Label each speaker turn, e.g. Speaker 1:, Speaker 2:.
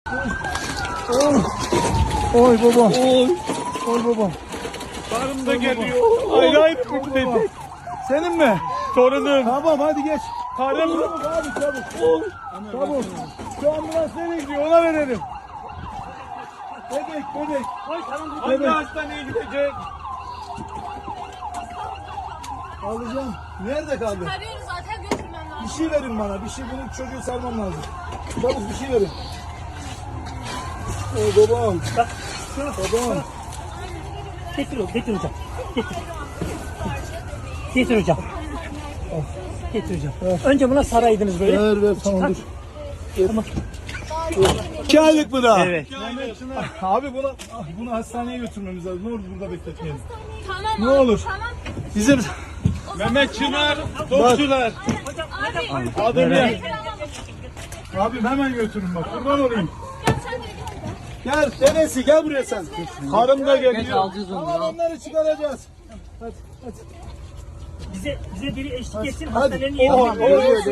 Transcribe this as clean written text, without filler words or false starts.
Speaker 1: Oy babam. Oy babam.
Speaker 2: Karım da geliyor. Ayrı ayrı dedi.
Speaker 1: Senin mi?
Speaker 2: Torunum.
Speaker 1: Tamam hadi geç.
Speaker 2: Karım.
Speaker 1: Çabuk abi çabuk. Çabuk. Şu ambulans nereye gidiyor ona verelim. Bebek.
Speaker 2: Hangi hastaneye gidecek?
Speaker 1: Alacağım. Nerede kaldı?
Speaker 3: Arıyoruz zaten götürmem lazım.
Speaker 1: Bir şey verin bana. Bir şey benim çocuğu sarmam lazım. Çabuk bir şey verin. Oy babam. Babam.
Speaker 4: Getir hocam. Getir. Getir hocam. Getir hocam. Önce buna saraydınız böyle.
Speaker 1: Ver tamam dur. İki aylık mı daha?
Speaker 4: Evet.
Speaker 1: Abi bunu hastaneye götürmemiz lazım. Ne olur burada bekletmeyelim.
Speaker 3: Tamam
Speaker 1: Ne
Speaker 3: abi,
Speaker 1: olur.
Speaker 3: Tamam.
Speaker 1: Bizim
Speaker 2: Mehmet Çınar. Topçular.
Speaker 3: Abi.
Speaker 2: Adım ya.
Speaker 1: abim hemen götürün bak. Kurban olayım.
Speaker 3: Gel sen de gel.
Speaker 1: Gel dedesi gel buraya sen.
Speaker 2: Karım da geliyor.
Speaker 1: Tamam onları çıkaracağız. Hadi.
Speaker 4: Bize biri eşlik etsin
Speaker 1: Hadi.
Speaker 4: hastanelerin yerine.